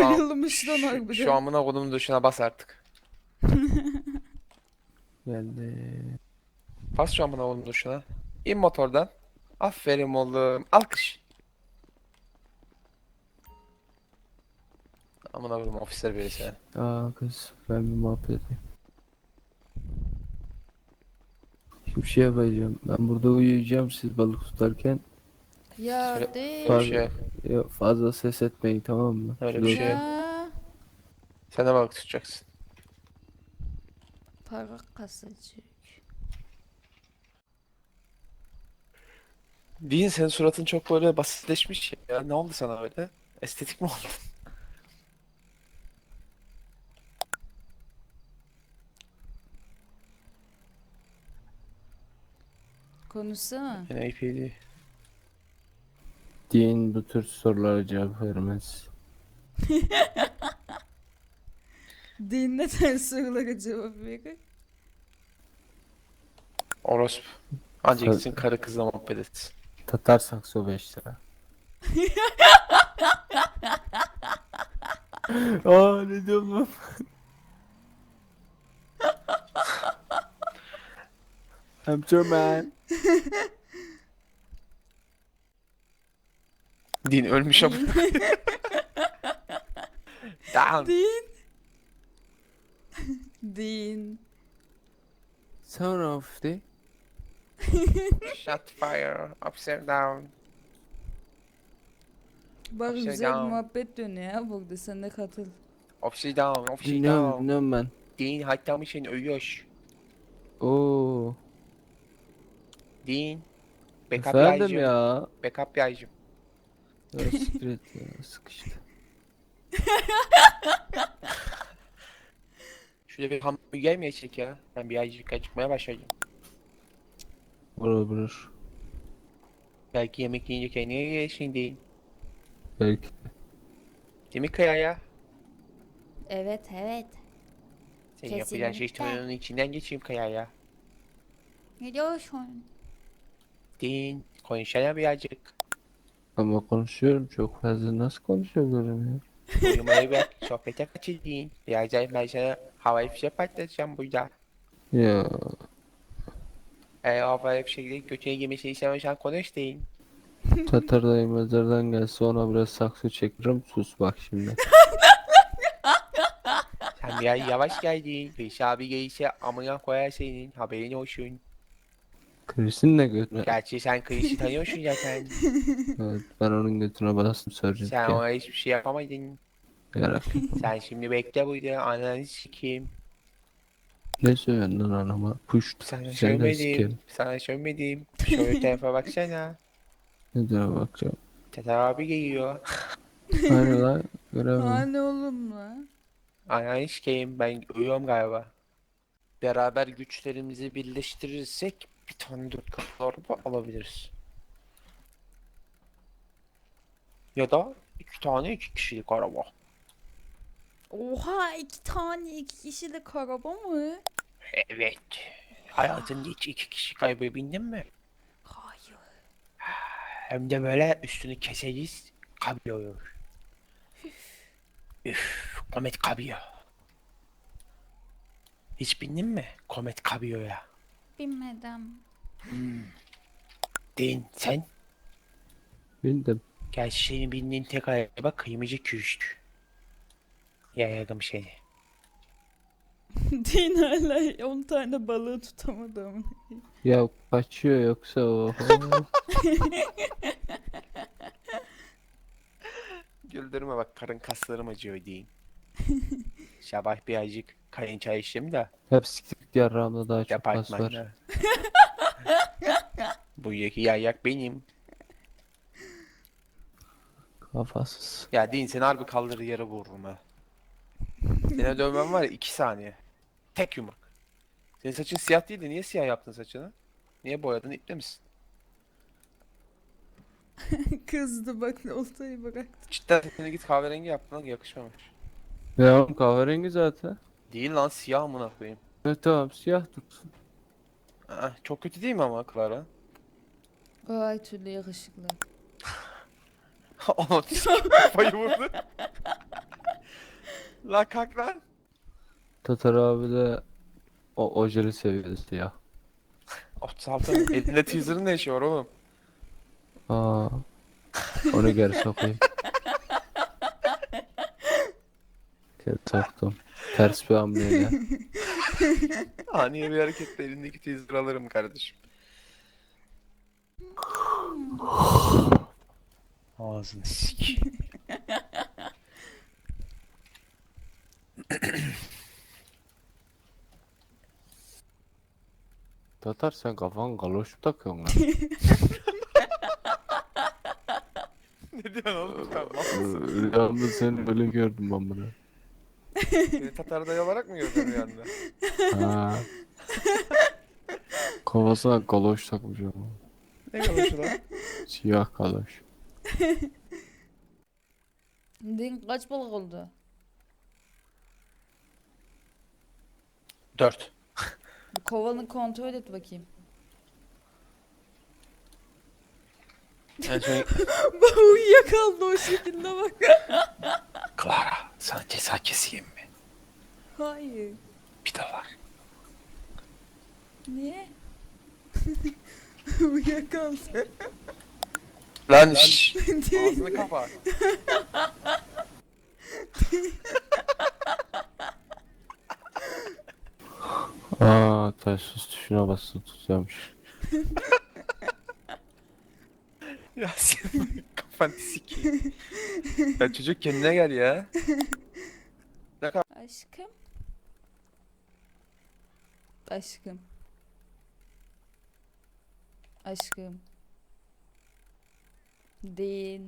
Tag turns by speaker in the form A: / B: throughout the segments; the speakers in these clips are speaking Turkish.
A: Bayılmış lan
B: şu
A: harbiden.
B: amına kodumun duşuna bas artık.
C: Geldi.
B: Bas şu amına kodumun duşuna. İn motordan. Aferin oğlum. Alkış. Amına koydum ofisler böyle seni.
C: Aa kız ben bir muhabbet edeyim. Şimdi şey yapacağım. Ben burada uyuyacağım siz balık tutarken.
A: Ya
B: Öyle,
A: değil.
B: öyle bir şey.
C: Yok, fazla ses etmeyin tamam mı?
B: Öyle bir
C: Dur.
B: şey.
A: Ya.
B: Sen de balık tutacaksın.
A: Para kasacık.
B: Dean senin suratın çok böyle basitleşmiş ya. Ne oldu sana öyle? Estetik mi oldu?
A: Konuşsana.
B: Yine APD.
C: Din bu tür sorulara cevap vermez.
A: Din neden sorulara cevap verir?
B: Orospu. Anca
C: Ta-
B: gitsin karı kızla muhabbet etsin.
C: Tatar sakso 5 lira. Aa ne diyorum lan? I'm German.
B: Dean ölmüş ama. Down.
A: Din. Din.
C: Son of the
B: Shot fire. Upside down.
A: Bak
B: Upside
A: güzel bir
B: down.
A: muhabbet dönüyor ya burada. Sen de katıl.
B: Upside down. Upside
C: dinliyorum
B: down.
C: dinliyorum ben.
B: Dean hatta mı seni ölüyor.
C: Oo.
B: Dean. Backup
C: Efendim
B: yaycım.
C: ya.
B: Backup yaycım.
C: Ya siktir et ya sıkıştı.
B: Şurada bir hamburger mi yesek ya? Ben bir yaycık acıkmaya başladım.
C: Vurur.
B: Belki yemek yiyince kendine gelirsin Dean.
C: Belki.
B: Değil mi Kaya ya?
A: Evet evet.
B: Senin yapacağın şey
A: Kesinlikle.
B: torunun içinden geçeyim Kaya ya.
A: Ne diyorsun?
B: Dean. Konuşsana birazcık.
C: Ama konuşuyorum çok fazla nasıl konuşuyorum ya?
B: Uyumayı bırak. Sohbete kaçır Dean. Birazdan ben sana havai fişek patlatacağım burada.
C: Ya
B: Eğer havai fişekleri götüne girmesini istemiyorsan konuş Dean.
C: Tatar dayı mezardan gelse ona biraz saksı çekerim sus bak şimdi.
B: Sen biraz yavaş geldin. Reis abi gelirse amına koyar senin. Haberin olsun.
C: Chris'in de götüne.
B: Gerçi sen Chris'i tanıyorsun zaten.
C: Evet, ben onun götüne bastım
B: Sen
C: söyleyecekken.
B: ona hiçbir şey yapamadın.
C: Yarak.
B: Sen şimdi bekle burada. Ananı sikeyim.
C: Ne söylüyorsun lan anama? Puşt.
B: Sana
C: Seni de
B: söylemedim.
C: sikerim.
B: Sana söylemedim. Şöyle tarafa baksana.
C: Ne diyor bakacağım.
B: Tatar abi geliyor.
C: Hani lan göremem.
A: Hani oğlum lan.
B: Ananı sikeyim. Ben uyuyorum galiba. Beraber güçlerimizi birleştirirsek bir tane 4 katlı araba alabiliriz. Ya da 2 kişilik araba.
A: Oha 2 kişilik araba mı?
B: Evet. Hayatında hiç 2 kişi arabaya bindin mi?
A: Hayır.
B: Hem de böyle üstünü keseriz. Kablo olur. Üf, Komet Kabio. Hiç bindin mi Komet Kabio'ya?
A: Bilmedim.
B: Değil sen.
C: Bildim.
B: Gerçi senin bindiğin tek araba kıymacı küştü. Yayadım seni.
A: Din hala 10 tane balığı tutamadı ama.
C: Ya kaçıyor yoksa o.
B: Güldürme bak karın kaslarım acıyor diyeyim. Sabah birazcık kayın çay içtim de
C: Hep siktik yarrağımda daha çok kas var.
B: departmanda. Bu yeki yayak benim.
C: Kafasız.
B: Ya deyin seni harbi kaldırır yere vururum ha. Seni dövmem var ya 2 saniye. Tek yumruk. Senin saçın siyah değildi. Niye siyah yaptın saçını? Niye boyadın? İple misin?
A: Kızdı bak oltayı bıraktı.
B: Cidden seni git kahverengi yaptın lan yakışmamış.
C: Ya oğlum kahverengi zaten.
B: Değil lan siyah amına koyayım.
C: Evet tamam siyah tutsun.
B: Aa, çok kötü değil mi ama Clara?
A: Ay türlü yakışıklı.
B: Onu kafayı vurdu. La kalk lan.
C: Tatar abi de o ojeli seviyesi ya.
B: 36 mı? Elinde teaser'ın ne işi var oğlum?
C: Aa, onu geri sokayım. Geri soktum. Ters bir hamleyle.
B: Ani bir hareketle elindeki teaser'ı alırım kardeşim. Ağzını sikeyim.
C: Tatar sen kafan galoş mu takıyorsun lan?
B: Ne diyorsun oğlum sen? Mal mısın?
C: Rüyamda seni böyle gördüm ben bunu.
B: Seni Tatar dayı olarak mı gördün rüyanda?
C: Ha. Kafasına galoş takmış ama.
B: Ne konuşuyor lan?
C: Siyah galoş.
A: Din kaç balık oldu?
B: 4.
A: Bir kovanı kontrol et bakayım.
B: En son
A: Bak uyuyakaldı o şekilde bak.
B: Clara sana ceza keseyim mi?
A: Hayır.
B: $1.
A: Niye? Uyuyakaldı.
B: Lan şşş.
A: Değil.
B: Ağzını kapa.
C: Aa, taşsız tuşuna bastı tutuyormuş.
B: Ya senin kafanı sikeyim. Ya çocuk kendine gel ya.
A: Aşkım. Aşkım. Aşkım. Değil.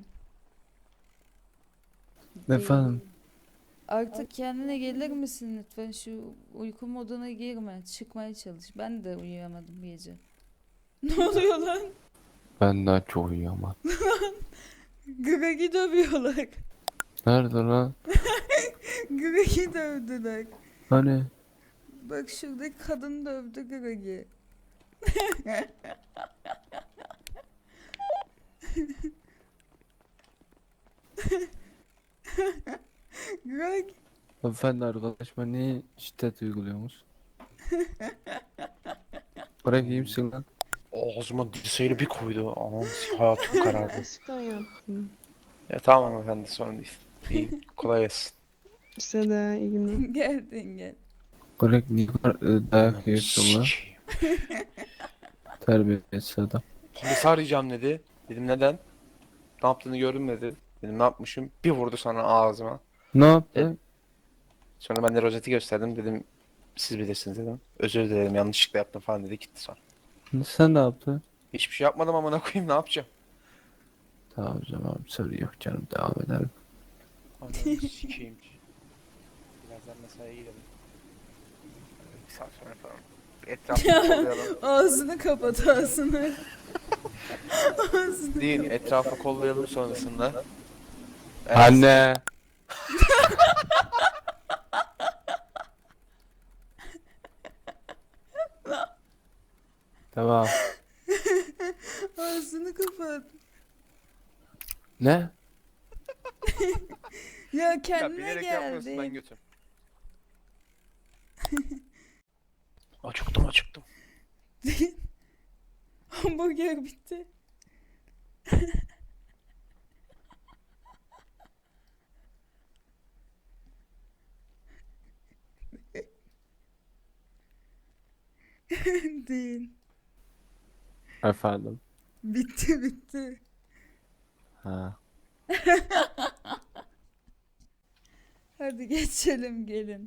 C: Efendim?
A: Artık kendine gelir misin lütfen? Şu uyku moduna girme. Çıkmaya çalış. Ben de uyuyamadım bu gece. Ne oluyor lan?
C: Ben daha çok uyuyamam.
A: Greg'i dövüyorlar.
C: Nerede lan?
A: Greg'i dövdüler.
C: Hani?
A: Bak şuradaki kadın dövdü Greg'i. Greg.
C: Efendi arkadaşıma niye şiddet uyguluyorsunuz? Bırak iyi misin lan?
B: Ağzıma dirseğiyle bir koydu. Aman hayatım karardı.
D: Gerçekten yaptım.
B: Ya tamam efendi sorun değil. İyi kolay gelsin.
D: Size de iyi günler.
A: Geldin gel.
C: Bırak niye dayak yiyorsun lan?
B: Sikeyim.
C: Terbiyesiz adam.
B: Polisi arayacağım dedi. Dedim neden? Ne yaptığını gördüm dedi. Dedim ne yapmışım? Bir vurdu sonra ağzıma.
C: Ne yaptı?
B: Sonra ben de rozeti gösterdim. Dedim siz bilirsiniz dedim. Özür dilerim yanlışlıkla yaptım falan dedi gitti sonra.
C: Sen ne yaptın?
B: Hiçbir şey yapmadım amına koyayım ne yapacağım?
C: Tamam o zaman soru yok canım devam edelim.
B: Ananı sikeyim. Birazdan mesaiye gidelim. Bir saat sonra falan. Etrafı kollayalım.
A: Ağzını kapat ağzını. Ağzını.
B: Değil etrafı kollayalım sonrasında. Evet.
C: Anne! Tamam.
A: Ağzını kapat.
C: Ne?
A: Ya
B: Ya
A: kendine
B: bilerek yapmıyorsun ben
A: geldi.
B: götüm. Acıktım.
A: Hamburger bitti. Değil.
C: Efendim?
A: Bitti.
C: Ha.
A: Hadi geçelim gelin.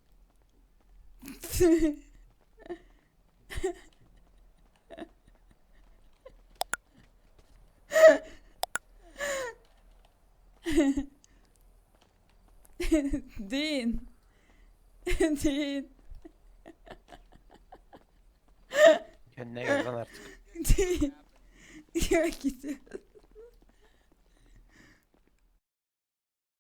A: Değil. Değil.
B: Kendine gel lan artık.
A: Değil. Ya gidiyor.